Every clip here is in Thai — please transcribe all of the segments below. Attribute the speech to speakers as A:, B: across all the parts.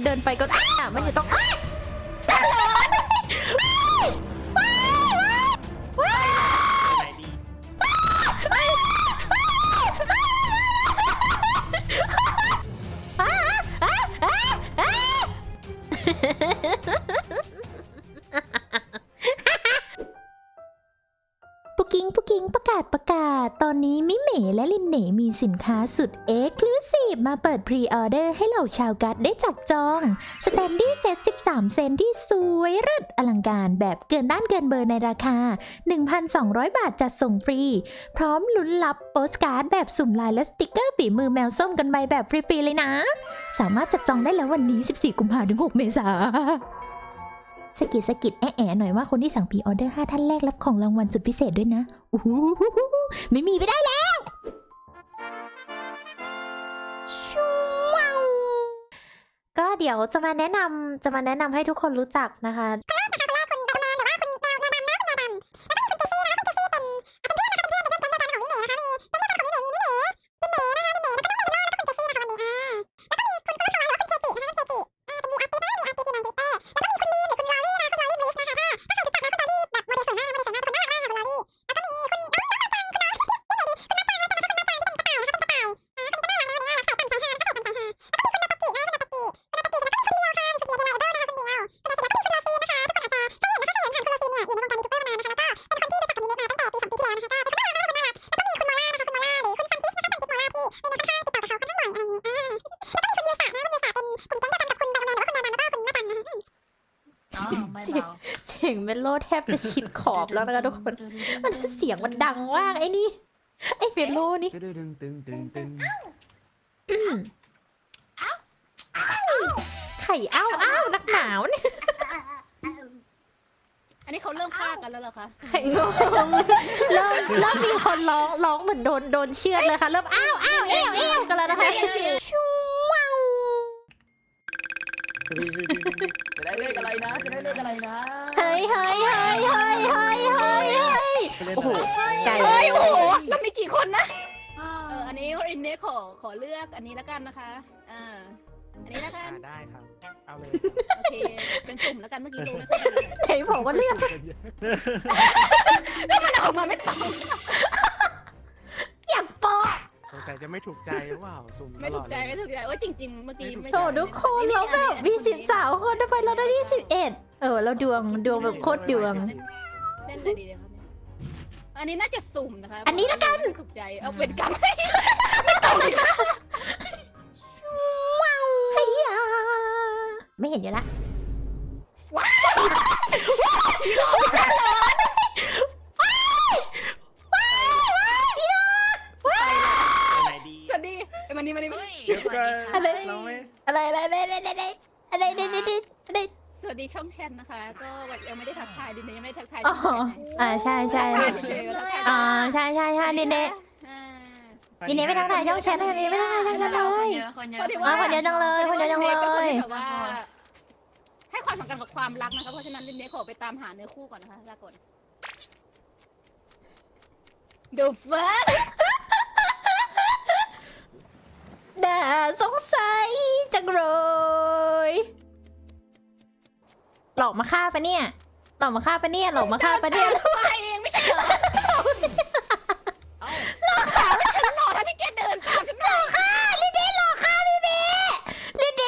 A: เดินไปก็มันอยู่ตรงปุกิ้งประกาศตอนนี้มิเมะและลินเน่มีสินค้าสุดเอ็กซ์คลูซีฟมาเปิดพรีออเดอร์ให้เหล่าชาวกัดได้จับจองสแตนดี้เซต13 เซนที่สวยเลิศอลังการแบบเกินต้านเกินเบอร์ในราคา 1,200 บาทจัดส่งฟรีพร้อมลุ้นรับโปสการ์ดแบบสุ่มลายและสติกเกอร์ฝีมือแมวส้มกันไปแบบฟรีๆเลยนะสามารถจับจองได้แล้ววันนี้14 กุมภาพันธ์ถึง 6 เมษายนสกิดแอะหน่อยว่าคนที่สั่งพรีออเดอร์5 ท่านแรกรับของรางวัลสุดพิเศษด้วยนะไม่มีไม่ได้แล้วก็เดี๋ยวจะมาแนะนำให้ทุกคนรู้จักนะคะเสียงเมโลแทบจะชิดขอบแล้วนะคะทุกคนมันเสียงมันดังมากไอ้นี่ไอ้เมโลนี่ไข่อ้าวนักหนาวนี่
B: อันนี้เขาเริ่มฆ่ากันแล้วเหรอคะ
A: ไข่งงเริ่มมีคนร้องเหมือนโดนเชือดเลยค่ะเริ่มอ้าวเอวกันแล้วนะคะ
C: จะได้เลขอะไรนะ
A: เฮ้ยโอ้โหไก่
B: โอ้โหแล้วมีกี่คนนะอันนี้อินเนขอเลือกอันนี้แล้วกันนะคะอันนี้แล้วกัน
C: ได้ครับเอาเลย
B: โอเคเป็นสุ่มแล้วกันเมื่อกี้ดูนะคะ
A: ไอ้บอกว่าเลือก
B: แล้วมันออกมาไม่ตรง
A: อย่าปอ
C: สงสัยจะไม่ถูกใจหรือเปล่าสุ่ม
B: ไม่ถูกใจโอ้ยจริงๆเมื่อกี้ไม่
A: โถทุกคนเราแบบมี13 คนทำไมเราได้ที่11เราดวงแบบโคตรดวง
B: เล่นเลยดีเลยครับอันนี้น่าจะสุ่มนะคะ
A: อันนี้ละกัน
B: ถูกใจเอาเป็นกันไม่ตรงเลยค่ะ
A: ไม่เห็นอยู่ละ
B: ว้าวสวัสดีมันนี่อะไรสวัสดีช่องแชทนะคะก็ยังไม่ได้ทักทายดินยังไม่ได้ทักทาย
A: ใช่ใช่ดินเน่ไม่ทักทายช่องแชทดินเน่ไม่ทักทายช่องแชทเลยคนเยอะจังเลย
B: ให้ความสำคัญกับความรักนะคะเพราะฉะนั้นดินเน่ขอไปตามหาเนื้อคู่ก่อนนะคะลาก่อนดูเฟิร์ส
A: น่าสงสัยจังเลยหลอกมาฆ่าปะเนี่ยหลอกมาฆ่าปะเนี่ย
B: ไปเองไม่ใช่เหรอหลอกขาไม่ฉันหลอกแล้วที่แกเดินตามฉันหลอก
A: ฆ่าลิเดหลอกฆ่าพี่เบลิเด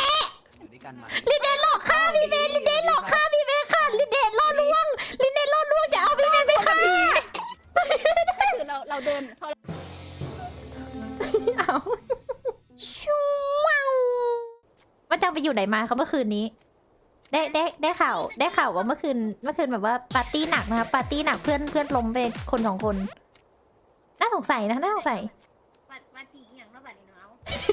A: หลอกฆ่าพี่เบลิเดหลอกฆ่าพี่เบค่ะลิเดล่อลวงจะเอาพี่เบไปฆ่า
B: คือเราเดินเขา
A: ว่าจังไปอยู่ไหนมาเขาเมื่อคืนนี้ได้ข่าวว่าเมื่อคืนแบบว่าปาร์ตี้หนักนะคะปาร์ตี้หนักเพื่อนล้มไปคน2 คนน่าสงสัยนะปาร์ตี้อย่างนอกบัดนี้เนาะ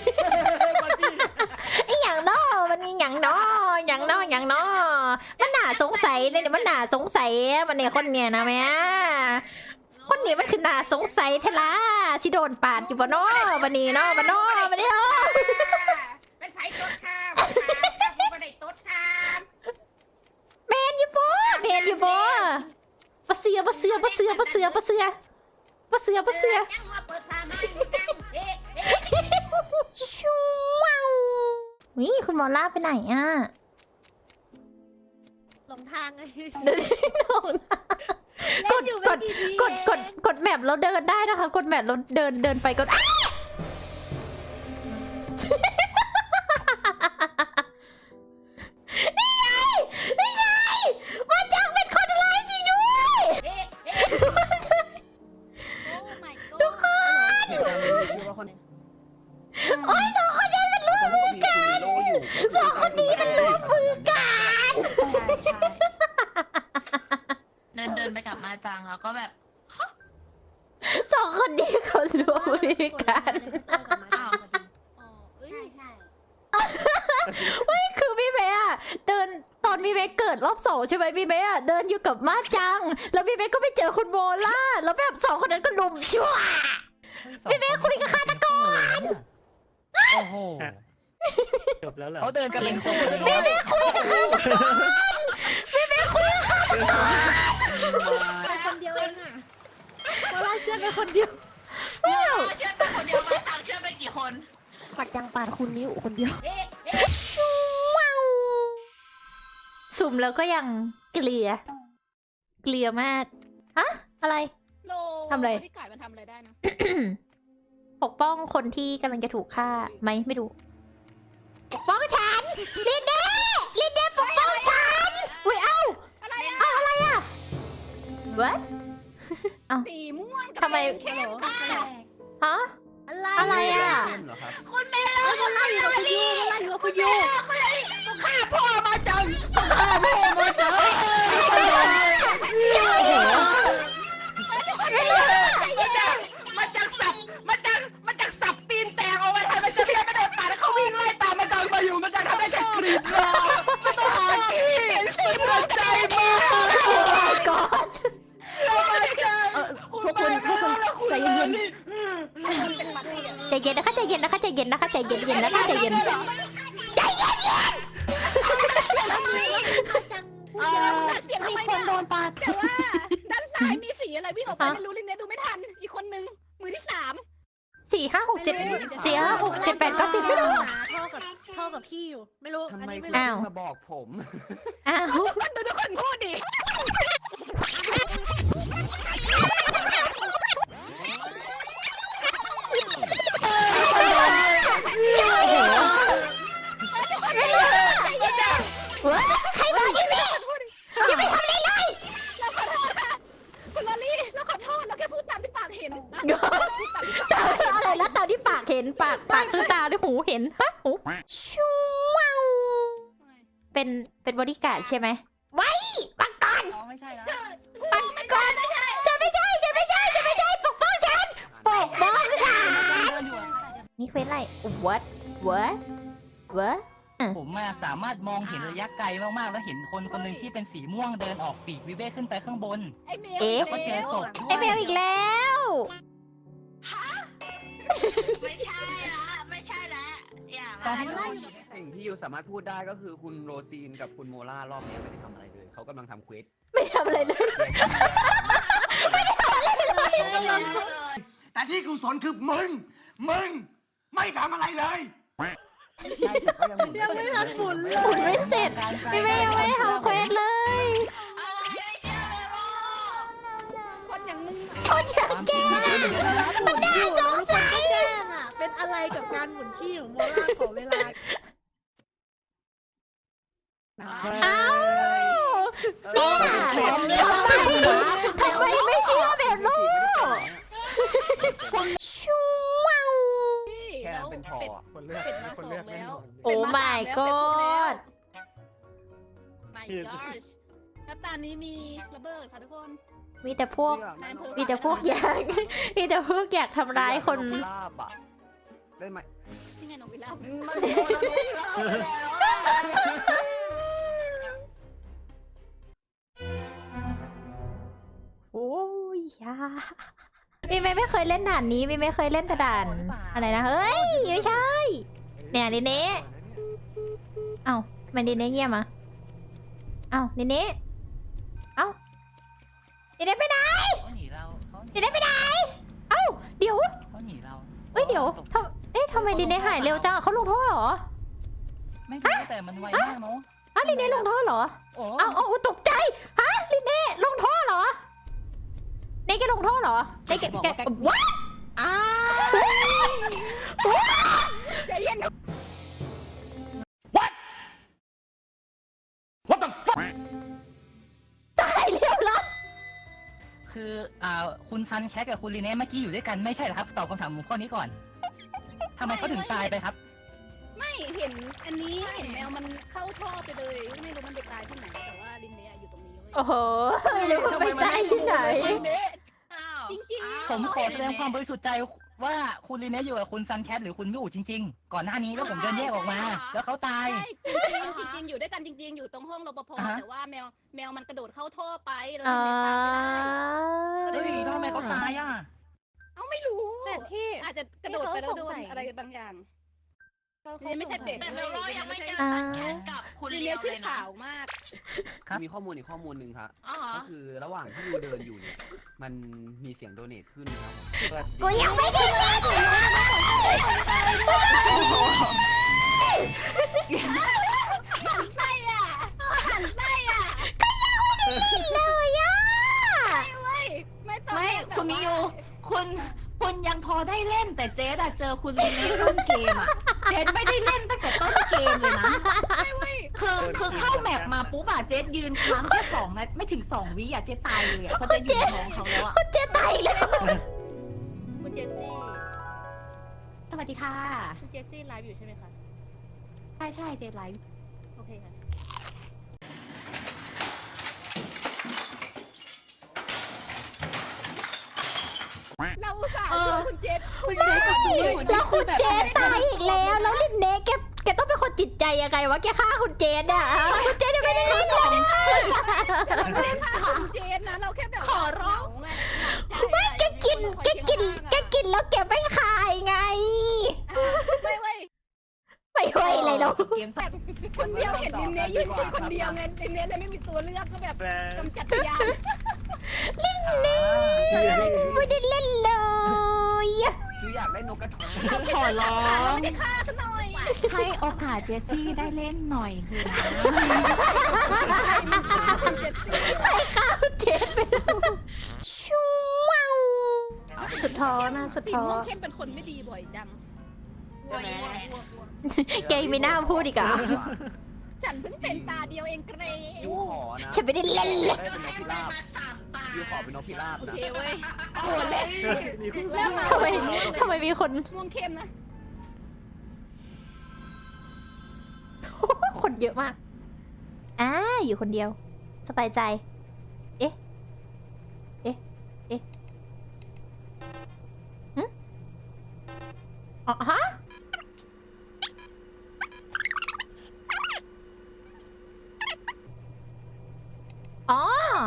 A: อย่างนอกมันมีอย่างนอมันน่าสงสัยเลยเนี่ยมันน่าสงสัยมันเนี่ยคนเนี่ยนะแม่คนนี้มันคือน่าสงสัยเทล่าสิโดนปาดอยู่บ่เนาะบันนี้เนาะบันนี้
B: เป็นไผ่ต้นข้ามเป็นไผ่ต้นข้าม
A: เมนอยู่บ่ปะเสือยังมาเปิดพามาชูว้าวนี่คุณมอล่าไปไหนอ่ะ
D: หลงทางไง
A: เดินลงนะ
D: เล่นอยู่ไม่กี่ที
A: กดแมปแล้วเดินได้นะคะ กดแมปแล้วเดินไปกดอ้านี่ไงนี่ไงมันจังเป็นคนร้ายจริงด้วย
B: โอ้ my god
A: ทุกคน
C: เหตุการณ์นี้มีชื่อว่าคน
A: โอ้ยสองคนนี้มันร่วมมือกัน สองคนนี้มันร่วมมือกัน
E: ใช่เดินไปกับมาจังแล้วก็แบบ
A: สองคนนี้เขาร่วมมือกัน
E: อ้าว
B: อ๋อเอ้ย
A: ไม่คือพี่เมย์อะเดินตอนพี่เมย์เกิดรอบสองใช่ไหมพี่เมย์อะเดินอยู่กับมาจัง แล้วพี่เมย์ก็ไปเจอคุณโมล่าแล้วแบบสองคนนั้นก็ลุมชั่ว พี่เมย์คุยกับฆาตกร
F: โอ้โหจบแล้วเหรอ
C: เขาเดินกันเป็นคู่
A: พี่เมย์คุยกับฆาตกรพี่เมย์คุยกับฆาตกร
D: ไปคนเดียวเองอ่ะเพราะว่าเชื่อไปคนเดียว
E: เชื่อเป็นคนเดียวมาจังเชื่อเป็นกี่คน
D: ปัดยังปาดคุณนิ้วคนเดียว
A: สุ่มแล้วก็ยังเกลียมากฮะอะไร
B: โล
A: ทำอะไร
B: ที่กายมันทำอะไรได้นะ
A: ปกป้องคนที่กำลังจะถูกฆ่าไหมไม่รู้ปกป้องฉันลินเด้ปกป้องฉันอุ้ยเอ้า
B: อะไรอะ
A: เอ้าอะไรอะ what
B: สีม่วงกับ
A: ทำไม
B: เข้มค่ะ
A: ฮะ อะไรอะ
C: เข้มเหรอครับ
E: คุณแม่เรา
D: มันไล่อยู่กับคุณยูมันไล่อยู่กับคุณยู
E: ฆ่าพ่อมาจัง มันจังสับตีนแตกเอาไว้ทำมันจะเพี้ยนกระโดดป่าแล้วเขาวิ่งไล่ตามมันจังมาอยู่มันจังทำได้แค่กรีดรอมันต้องหาที่เห็นสีหัวใจมาก
A: ก่อน
D: พวกคุณใจเย็น
A: ใจเย็นนะคะใจเย็นนะคะใจเย็นนะคะใจเย็นนะคะใจเย็น
D: จังมีคนโดนปาด
B: แต่ว่าด้านซ้ายมีสีอะไรวิ่งออกไปไม่รู้ลินเนดูไม่ทัน อีกคนนึงมือที่สาม
A: 4 5 6 7 4 5 6 7 8 9 10ไม่รู้
D: เท่ากับพี่อยู่ไม่รู้
C: ทำ
D: อัน
C: ไม
D: นี้
C: คุ
D: ไม่
C: ณ
D: รู้
A: อ้าว
C: มาบอกผม
A: อ้าว
B: ทุกคนดูทุกคนพูดดิ
A: ใครบอกนี่แม่
B: อย่าไปทำอะไรเลยเราขอโทษค่ะคุณลอลี่เราขอโทษเราแค่พูดตามที่ปากเห็นนะ
A: อะไรแล้วตาที่ปากเห็นปากคือตาที่หูเห็นปะหูชูว้าวเป็นบริการดใช่ไหมไว้ปังก่อน
E: อ๋อไม่ใช่แล้ว
A: ปังก่อนฉันไม่ใช่ปกป้องฉันปกป้องฉัน
E: เดินอยู่
A: นี่เควสอะไร what
F: ผมมาสามารถมองเห็นระยะไกลมากๆ แล้วเห็นคนคนหนึ่งที่เป็นสีม่วงเดินออกปีกวิเวกขึ้นไปข้างบน
B: ไอ้เมล
F: แล้วก็เจอศพด้ว
A: ไอยเบลอีกแล้ว
E: ไม่ใช่ละไม่ใช่ละอย่า
F: ตอน
E: มา
F: ที่
E: ไล่
C: สิ่งที่ยูสามารถพูดได้ก็คือคุณโรซีนกับคุณโมล่ารอบนี้ไม่ได้ทำอะไรเลย เขากำลังทำเควส
A: ไม่ทำอะไรเลย
G: แต่ที่กูสนคือมึงไม่ทำอะไรเลย
C: ใช่แต่ก็ยังหมุน
D: ยังไม่ทันหมุนเลย
A: หมุนไม่เสร็จพี่เบลยังไม่ได้ทำเควสเลย
E: อะไรไม่เชื่อเลยว่า
B: คนอย่างมึง
A: คนอย่างแกมันน่าสงสัย
D: แจ้งอ่ะเป็นอะไรกับการหมุนขี้ของโมล่าขอเวลา
A: อ้าวเนี่ยทำไมไม่เชื่อแบบลูกชูว้าว
C: แค่นั้นเป็นพอ
B: คนเลือกเป็ดมาสองแล้ว
A: โอ้ my god
B: my gosh แล้วตอนนี้มีระเบิดค่ะทุกคน
A: มีแต่พวก
B: นายอำเภอ
A: มีแต่พวกอยากมีแต่พวกอยากทำร้ายคน
C: ลาบอะได้ไหม
B: ที่ไงน้องวิลาบ
C: มันโดนแล้ว
A: โอ้ยยามีไม่เคยเล่นด่านนี้มีไม่เคยเล่นแต่ด่านอะไรนะเฮ้ยไม่ใช่เนี่ยดิเน่เอ้ามันดิเน่เงียบอ่ะเอ้าดิเน่เอ้าดิเน่ไปไหน
F: เขาหนีเราเขาหนี
A: ดิเน่ไปไหนเอ้าเดี๋ยว
F: เขาหนีเรา
A: เอ้ยเดี๋ยวทำไมดิเน่หายเร็วจังเขาลงโทษเหรอ
F: ไม่รู้แต่มันไวมากเนาะ
A: อ้าวลินเน่ลงท่อเหรอ
F: โอ้
A: เอาตกใจฮะลินเน่ลงท่อเหรอเน่แกลงท่อเหรอเน่แกว้า
B: อ้าวใจเย็น
E: What the fuck
A: ตายเรียบร้อย
F: คือคุณซันแคทกับคุณลีเน่เมื่อกี้อยู่ด้วยกันไม่ใช่เหรอครับตอบคำถามผมข้อนี้ก่อนทำไมเขาถึงตายไปครับ
B: ไม่เห็นอันนี้เห็นแมวมันเข้าท่อไปเลยไม่รู้มันไปตายที่ไหนแต่ว่าลินเน่อยู่ตรงนี้เว้ย
A: โอ้โหเดี๋ยวมันไปตายที่ไหน
B: จริงๆ
F: ผมขอแสดงความบริสุทธิ์ใจว่าคุณลีเน่อยู่กับคุณซันแคทหรือคุณมิอูจริงๆ ก่อนหน้านี้แล้วผมเดินแยกออกมา แล้วเขาตาย
B: ใช่จริงๆอยู่ด้วยกันจริง ๆ อยู่ตรงห้องรปภ
F: อ่าฮะ
B: แต่ว่าแมวมันกระโดดเข้าท่อไปแล้ว
A: อ่า
B: ลินเน่ตามไม่ได้
F: เฮ้ยทำไมเขาตายอ่ะ
B: เอ้าไม่รู้
D: แต่ที่
B: อาจจะกระโดดไปแล้วโดนอะไรบางอย่าง นี่ไม่ใช่เป็ด
H: แต่เบลล่ายังไม่เจอ
A: อ่า
H: สันแคนกับคุณ
B: ลิน
H: เลี
B: เน่
H: ยว
B: ชื่
H: เล
B: อย
H: นะ
B: ข่าวมาก
F: ครับ
C: มีข้อมูลอีกข้อมูลหนึ่งครับ
H: อ๋อเหรอ
C: ก็คือระหว่างที่ยูเดินอยู่เนี่ย มันมีเสียงโดเนทขึ้นนะครับผม
A: กูยังไม่ได้เล่นเลย
B: หันไส้อ่ะหันไส้อ่ะ
A: เลยอ่ะ
B: ไม่ต้อง
H: ไม่คุณมิยูคุณยังพอได้เล่นแต่เจ๊อะเจอคุณลีเน่ต้นเกมอะเจ๊ไม่ได้เล่นตั้งแต่ต้นเกมเลยนะคือเข้าแมปมาปุ๊บอะเจ๊ยืนค้างแค่2 นาทีไม่ถึง2 วิอะเจ๊ตายเลยอะเพราะเจ๊อยู่ในท้องเขาแล้วอะ
A: คุณเจตายแล้ว
B: คุณเจสซี่
H: สวัสดีค่ะ
B: คุณเจสซี่ไลฟ์อยู่ใช่ไหมคะ
H: ใช่เจ๊ไลฟ์
B: โอเคค่ะเราอุตส่าห์ชวนคุณเจสคุณเจส
A: แล้วคุณเจตตายอีกแล้ว แล้วลินเน่แกต้องเป็นคนจิตใจยังไงวะแกฆ่าคุณเจตอ่ะคุณเจตยังไม่ได้เล่นเลย
B: เราไม่ได้ฆ่าคุณเจสนะเราแค่แบบ
H: ขอร้อง
A: ไม่แกกินแล้วแกไม่คายไง
B: ไม่เว้ย
A: ไม่ไหวอะไรแล้ว
H: จบเกมสัก
B: คนเดียวเห็นลินเน่ยืนคุยคนเดียวไงลินเน่เลยไม่มีตัวเลือกก็แบบกำจัดพยาน
A: ไม่ได้เล่นเลย
C: คืออยากได้นกกระทา
H: ขอร้อง
B: ไม่ได้ฆ่าซะหน่อย
H: ให้โอกาสเจสซี่ได้เล่นหน่อยคือนะ
B: คุณเจสซี่
A: ใครฆ่าคุณเจตไปแล้วชูว้าวสุดท้อนะสุด
B: สี
A: ท้อ
B: ม่วงเข้มเป็นคนไม่ดีบ่อยจัง
H: ใช่ไหม
A: แกไม่น่าพูดอีกอ่ะ
B: ฉันเพิ่งเป็นตาเดียวเองเกร
C: ยูขอนะ
A: ฉันไม่ได้เล่นเลย
C: ได้เป็นนกพิราบยูขอเป็นนกพิราบ
B: โอ
C: นะ
B: เคเว้ยโหดเลยเริ่มมา
A: ทำไมมีคน
B: ม่วงเข้มนะ
A: คนเยอะมากอยู่คนเดียว สบายใจ เอ๊ะหึอ๋อฮะอ๋อ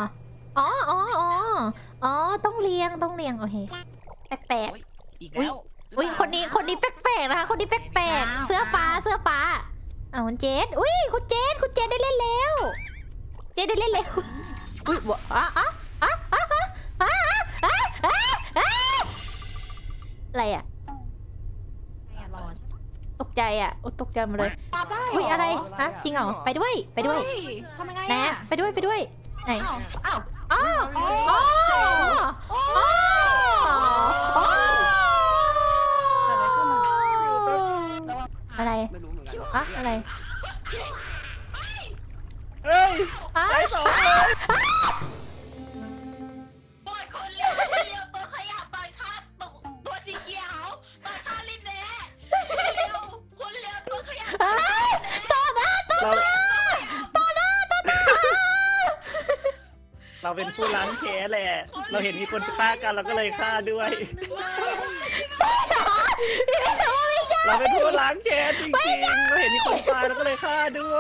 A: ต้องเลี้ยง โอเค แปลก
F: อีกแล้ว
A: ๆ อุ้ยคนนี้แปลกๆนะคะ คนนี้แปลกๆ เสื้อฟ้าคุณเจษอุ้ยคุณเจษได้เล่นแล้ว เจษได้เล่นแล้ว อุ้ยอะไรอ่ะ
H: รอ
A: ตกใจอ่ะตกใจหมดเลย อุ้ยอะไร ฮะ จริงเหรอ ไปด้วย
H: ทำยังไง
A: ไหน
H: อะ
A: ไปด้วย ไหน
H: อ้าว
A: อ๋ออะไร
C: ไม่รู้เหมือนกัน
A: อะอะไร
E: เฮ้ย
A: อะ
E: ไปสอง
H: ปล่อยคนเลี้ยวตัวขยับตอนฆ่าตัวสีเขียวตอนฆ่าลินเน่คนเลี้ยวตัวขยับ
E: เราเป็นผู้ล้างแค้นแหละ เราเห็นมีคนฆ่ากันเราก็เลยฆ่าด้วย เราเป็นผู้ล้างแค้นจริงๆ เราเห็นมีคนตายเราก็เลยฆ่าด้วย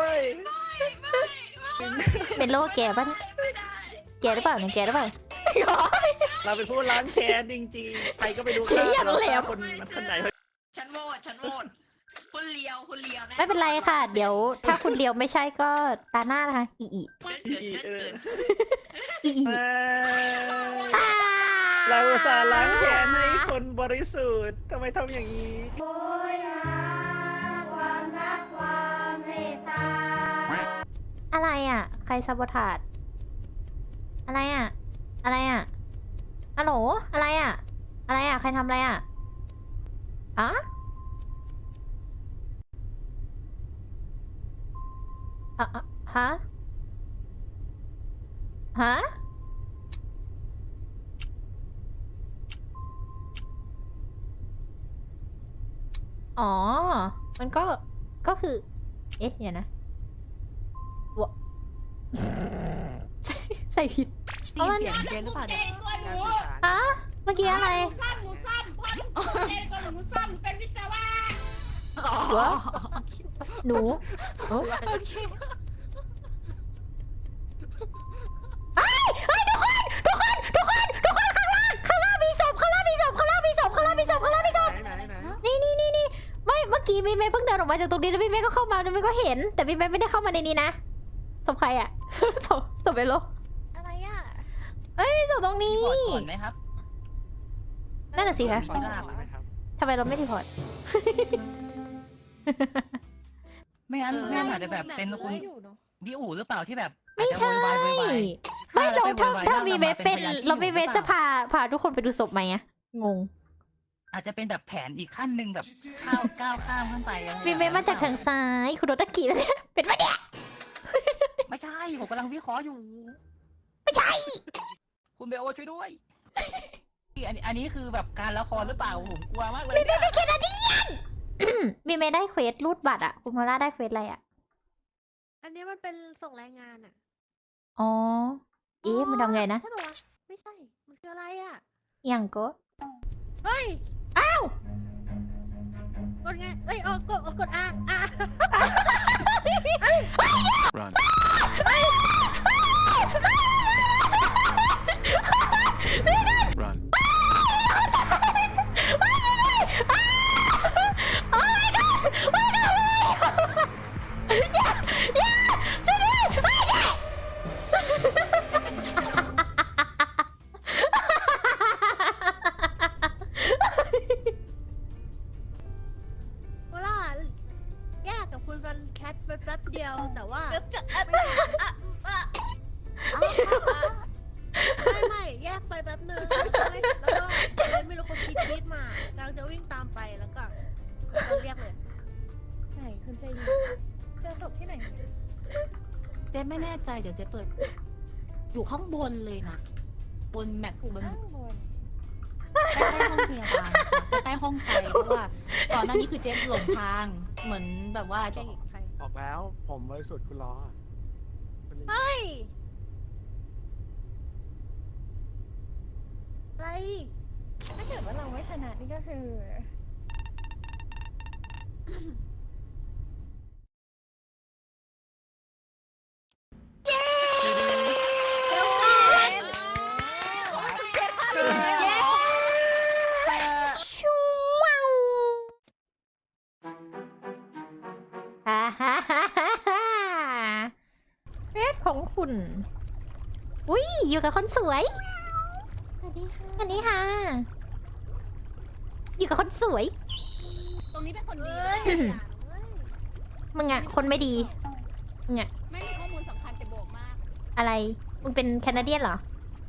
A: เป็นโลแกป่ะเนี่ยแกหรือเปล่าเนี่ยแกหรือเปล่า
E: เราเป็นผู้ล้างแค้นจริงๆ ใครก็ไปดู
A: เสียงอย่าง
E: เรา
A: แหล
E: ฆ่าม คนไหน
H: ฉันโหวตคุณเลี้ยวนะ
A: ไม่เป็นไรค่ะ เดี๋ยวถ้าคุณเลียวไม่ใช่ก็ตาหน้านะคะอี
E: เออ
A: อี
E: เราอุตส่าห์ล้างแค้นให้คนบริสุทธิ์ทำไมทำอย่างนี้
I: โอยหาความรักความเม
A: รซาโบทาดอะไรอะอะไรอะฮัลโหลอะไรอะอะไรอะใครทำอะไรอะอะอะอะฮะฮะอ๋อมันก็คือเอ๊ะเดี๋ยวนะวะ ใส่ผิด
H: ตีเสียงเจนหรือเปล่าเนี่ย
A: ฮะเมื่อกี้อะไร
B: หนูซ่อมพ่อหนูเองก็หนูซ่อมเป็นวิศวะ
A: หนูโอ้
H: โอเค
A: เฮ้ยเฮ้ยทุกคนข้างล่างมีศพนี่ไม่เมื่อกี้พี่เมย์เพิ่งเดินออกมาจากตรงนี้แล้วพี่เมย์ก็เข้ามาแล้วพี่เมย์ก็เห็น แต่พี่เมย์ไม่ได้เข้ามาในนี้นะศพใครอะ ศพเบลโล
D: อะไรอ่ะ
A: เอ้ยมีศพตรงนี้
F: รีพอร์ตก่อนไหมครับ
A: นั่นน่ะสิคะ
F: ไม่ทราบอะ
A: ทำไมเราไม่รีพอร์ต
F: ไม่งั้นไม่งั้นอาจจะแบบเป็นคุณ
D: อยู่เนาะ
F: พี่อู๋หรือเปล่าที่แบบ
A: ไม่ใช่
F: อาจจะโวยวายโวยวาย
A: ไม่เราถ้ามีเวฟเป็น
F: เรา
A: เรา
F: ไม่
A: มีเวฟจะพาทุกคนไปดูศพไหมอะงง
F: อาจจะเป็นแบบแผนอีกขั้นหนึ่งแบบก้าวข้ามขึ้นไปอะไร
A: มีเวฟมาจากทางซ้ายคุณโดตะกี้แล้วเนี่ยเป็นปะเนี่ย
F: ไม่ใช่ผมกำลังวิเคราะห์อยู่
A: ไม่ใช่
F: คุณเบลช่วยด้วย อันนี้คือแบบการละครหรือเปล่าผมกลัวมากเลย
A: มีเวฟเป็นแคนาเดียน มีเวฟได้เควสรูดบัตรอะคุณโมล่าได้เควสอะไรอะ
D: อันนี้มันเป็นส่งรายงานอ่ะ
A: อ๋อเอ๊ะมันทำไงนะ
D: ใช่ปะวะไม่ใช่ มันคืออะไรอ่ะ
A: อย่างก็
D: เฮ้ย
A: อ้าว
D: กดไงเอ้ยกดอ่ะ
G: Run. Run.
A: โอ้ my god ไม่ได้เลยอย่าช่วยด้วยไม่ได้
D: เวลาแยกกับคุณฟันแคทไปแป๊บเดียว แต่ว่า
B: จะ
D: ไม่แยกไปแป๊บนึงแล้วก็ไม่รู้คนคิดมากำลังจะวิ่งตามไปแล้วก็เราเรียกเลย
B: ไหนคุณใจดีเจอศพที่ไหน
H: เจนไม่แน่ใจเดี๋ยวเจนเปิด อยู่ข้างบนเลยนะบนแมปบน
B: ข้างบน
H: ใกล้ๆห้องพยาบาลค่ะใกล้ๆห้องไฟเพราะว่าก่อนหน้านี้คือเจนหลงทางเหมือนแบบว่า
D: ใครอีกใคร
I: บอกแล้วผมบริสุทธิ์คุณล้อคุณลิง
D: เฮ้ย อะไร
B: ถ้าเกิดว่าเราไม่ชนะนี่ก็คือ
A: ชูว้าวฮ่าฮ่าฮ่าฮ่าฮ่าเฟสของคุณ อุ้ยอยู่กับคนสวย
D: สวัสดีค่ะ
A: อันนี้ค่ะ อยู่กับคนสวย
B: ตรงนี้เป็นคนดี
D: เฮ้ย
A: มึงอะคนไม่ดี
B: ไม่มีข้อมูลสำคัญแต่โบกมาก
A: อะไร มึงเป็นแคนาเดียนเหรอ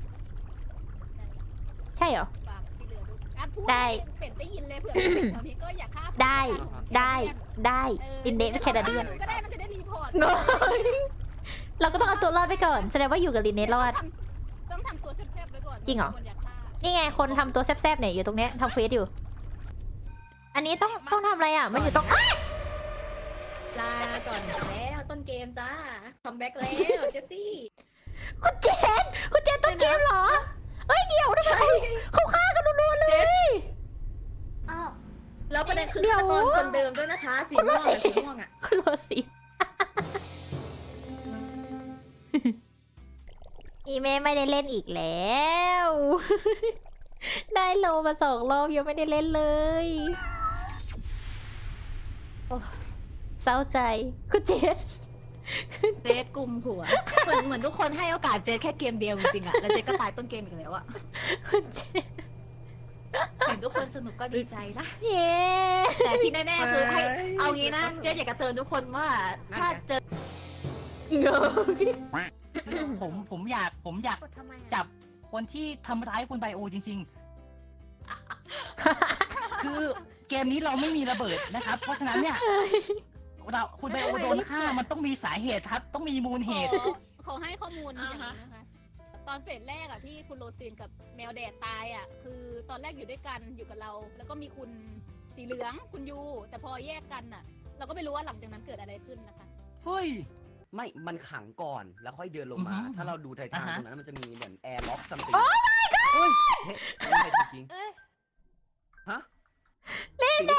A: ใช่เหรอ
B: ฝากที่เหลือดูอ่ะพูด
A: ได้
B: เป็ดได้ยินเลยเผื่อตอนนี้ก็อย่าฆ่า
A: ได้ ได้ลินเดเป็นแคนาเดียน
B: ก็ได้มันจะได้รีพอร์ต
A: เราก็ต้องเอาตัวรอดไปก่อน แสดงว่าอยู่กับลินเนรอด
B: ต้องทำตัวแซ่บๆไว้ก่อน
A: จริงเหรอ
B: คนอยากฆ่า
A: นี่ไงคนทำตัวแซบๆเนี่ยอยู่ตรงเนี้ยทำเควสอยู่ อันนี้ต้องทำอะไรอ่ะ มันอยู่ตรง
H: ลาก่อนแล้วต้นเกมจ้าคัมแบ็กแล้วเจสซี่
A: คุณเจนต้นเกมเหรอ เอ้ยเดี๋ยวทำไมเขาฆ่ากันรัวๆเลย
H: อ้าวแล้วประเด็นคือ
A: เดี๋ยว
H: ฆาตกรคนเดิมด้วยนะคะสีม่วงอะสีม่วงอ่ะ
A: คุณโรสิ อีเมไม่ได้เล่นอีกแล้ว ได้โลมา2 รอบยังไม่ได้เล่นเลยโอ้เศร้าใจคุณเจน
H: เจสกุมหัวเหมือนทุกคนให้โอกาสเจสแค่เกมเดียวจริงๆอะแล้วเจสก็ตายต้นเกมอีกแล้วอะ
A: คุณเจน
H: เห็นทุกคนสนุกก็ดีใจนะ
A: เย้
H: แต่ที่แน่ๆคือให้เอางี้นะเจสอยากจะเตือนทุกคนว่าถ้าเจอ
A: ย
F: ผมอยาก
D: กดทำไมอะ
F: จับคนที่ทำร้ายคุณไบโอจริงๆ คือเกมนี้เราไม่มีระเบิดนะครับ เพราะฉะนั้นเนี่ยคุณไบโอโดนฆ่ามันต้องมีสาเหตุครับ ต้องมีมูลเหตุ
B: ขอให้ข้อมูลอย่างนี้นะคะ ตอนเฟสแรกอะที่คุณโรซีนกับแมวแดดตายอะคือตอนแรกอยู่ด้วยกันอยู่กับเรา แล้วก็มีคุณสีเหลืองคุณยูแต่พอแยกกันอะเราก็ไม่รู้ว่าหลังจากนั้นเกิดอะไรขึ้นนะคะ
F: เฮ้ย
C: ไม่ มันขังก่อนแล้วค่อยเดินลงมา
F: อือฮึ
C: ถ้าเราดูไททาน
F: อ่าฮะ
C: ตรงนั้นมันจะมีเหมือนแอร์ล็อกซัมติง โอ้ my god เฮ้ยไม่ใช่จริง
B: เอ้ย
C: ๆฮะเล่นเล่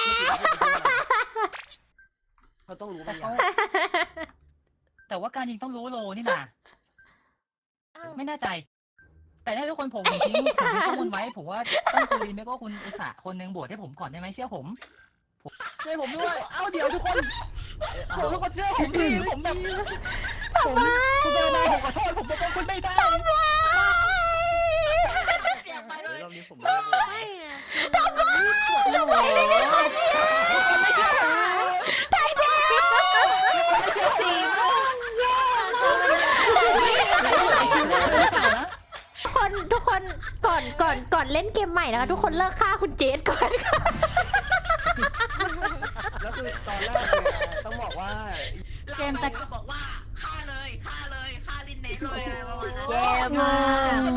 C: เขาต้องรู้ไหมอย่าง
F: แต่ว่าการยิงต้องรู้โลนี่นะ
D: อ้าว
F: ไม่แน่ใจ แต่ถ้าทุกคนผมทิ้งข้อมูลไว้ ผมว่าต้องคุณลีนไม่ก็คุณอุตสาห์คนหนึ่งบวชให้ผมก่อนได้ไหมเชื่อผมช่วยผมด้วย เอ้าเดี๋ยวทุกคนทุกคนเชื่อผมดิผมแบบผมคุณเบลนาผมขอโทษผมบอกว่าคุณไม่ได้
H: เสียงไป
E: เดี๋
H: เลย
E: วย รอบนี้ผมไม่ได้โหวต
D: ไม่ไง
F: ไม่เชื่อตีม
A: ทุกคนก่อนเล่นเกมใหม่นะคะทุกคนเลิกฆ่าคุณเจสก่อนค่ะ
C: แล้วคือตอนแรกเนี่ยต้องบอกว่า
H: เกมแต่บอกว่าฆ่าเลยฆ่าลินเนสเลยอะไรประมาณนั้น
D: แย่มาก